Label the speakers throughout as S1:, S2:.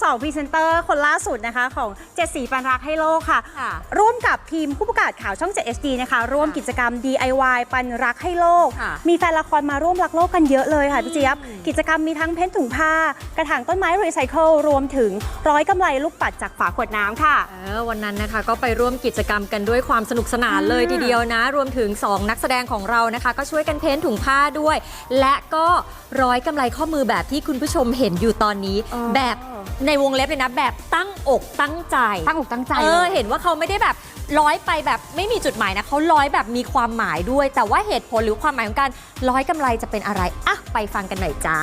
S1: 2พรีเซนเตอร์คนล่าสุดนะคะของ7สีปันรักให้โลกค่ะร่วมกับทีมผู้ประกาศข่าวช่อง 7 HD นะคะร่วมกิจกรรม DIY ปันรักให้โลกมีแฟนละครมาร่วมรักโลกกันเยอะเลยค่ะพี่เจี๊ยบกิจกรรมมีทั้งเพ้นถุงผ้ากระถางต้นไม้รีไซเคิลรวมถึงร้อยกำไลลูกปัดจากฝาขวดน้ำค่ะ
S2: วันนั้นนะคะก็ไปร่วมกิจกรรมกันด้วยความสนุกสนานเลยทีเดียวนะรวมถึง2นักแสดงของเรานะคะก็ช่วยกันเพ้นถุงผ้าด้วยและก็ร้อยกำไลข้อมือแบบที่คุณผู้ชมเห็นอยู่ตอนนี้แบบในวงเล็บเลยนะแบบตั้งอกตั้งใจเห็นว่าเขาไม่ได้แบบร้อยไปแบบไม่มีจุดหมายนะเขาร้อยแบบมีความหมายด้วยแต่ว่าเหตุผลหรือความหมายของการร้อยกำไลจะเป็นอะไรอ่ะไปฟังกันหน่อยจ้า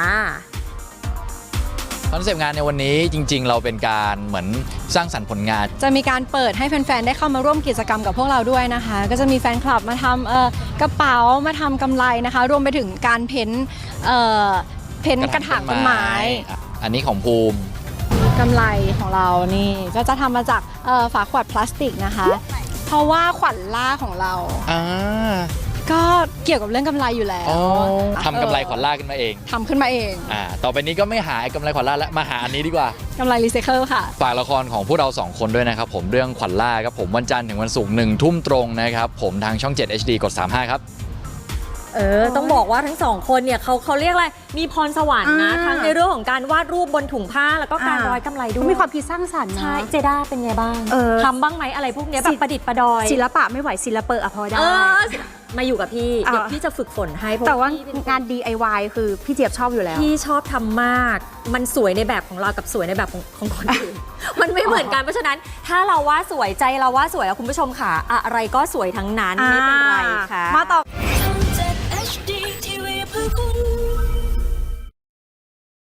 S3: คอนเซปต์งานในวันนี้จริงๆเราเป็นการเหมือนสร้างสรรค์ผลงาน
S4: จะมีการเปิดให้แฟนๆได้เข้ามาร่วมกิจกรรมกับพวกเราด้วยนะคะก็จะมีแฟนคลับมาทำกระเป๋ามาทำกำไลนะคะรวมไปถึงการเพ้นกระถางต้นไม้
S3: อันนี้ของภูมิ
S4: กำไลของเรานี่ก็จะทำมาจากฝาขวดพลาสติกนะคะเพราะว่าขวัญล่าของเราก็เกี่ยวกับเรื่องกำไรอยู่แล้ว
S3: ทำกำไรขวัญล่าขึ้นมาเอง
S4: ทำขึ้นมาเอง
S3: ต่อไปนี้ก็ไม่หากำไรขวัญล่าแล้วมาหาอันนี้ดีกว่าก
S4: ำไรรีไซเคิลค่ะ
S3: ฝากละครของพวกเรา2คนด้วยนะครับผมเรื่องขวัญล่าครับผมวันจันทร์ถึงวันศุกร์1 ทุ่มตรงนะครับผมทางช่อง 7 HD กด 35ครับ
S2: ต้องบอกว่าทั้ง2คนเนี่ยเขาเรียกอะไรมีพรสวรรค์นะทั้งในเรื่องของการวาดรูปบนถุงผ้าแล้วก็การร้อยกำไลด้วย
S1: มีความคิดสร้างสรรค์นะ
S2: ใช่เจด้าเป็นไงบ้างทำบ้างไหมอะไรพวกนี้แบบประดิษฐ์ประดอย
S1: ศิลปะไม่ไหวศิลปะพอได้
S2: มาอยู่กับพี่เดี๋ยวพี่จะฝึกฝนให้
S1: แต่ว่างาน DIY คือพี่เจี๊ยบชอบอยู่แล้ว
S2: พี่ชอบทำมากมันสวยในแบบของเรากับสวยในแบบของคนอื่นมันไม่เหมือนกันเพราะฉะนั้นถ้าเราว่าสวยใจเราว่าสวยแล้วคุณผู้ชมค่ะอะไรก็สวยทั้งนั้นไม่เป็นไรค่ะ
S1: มาต่อ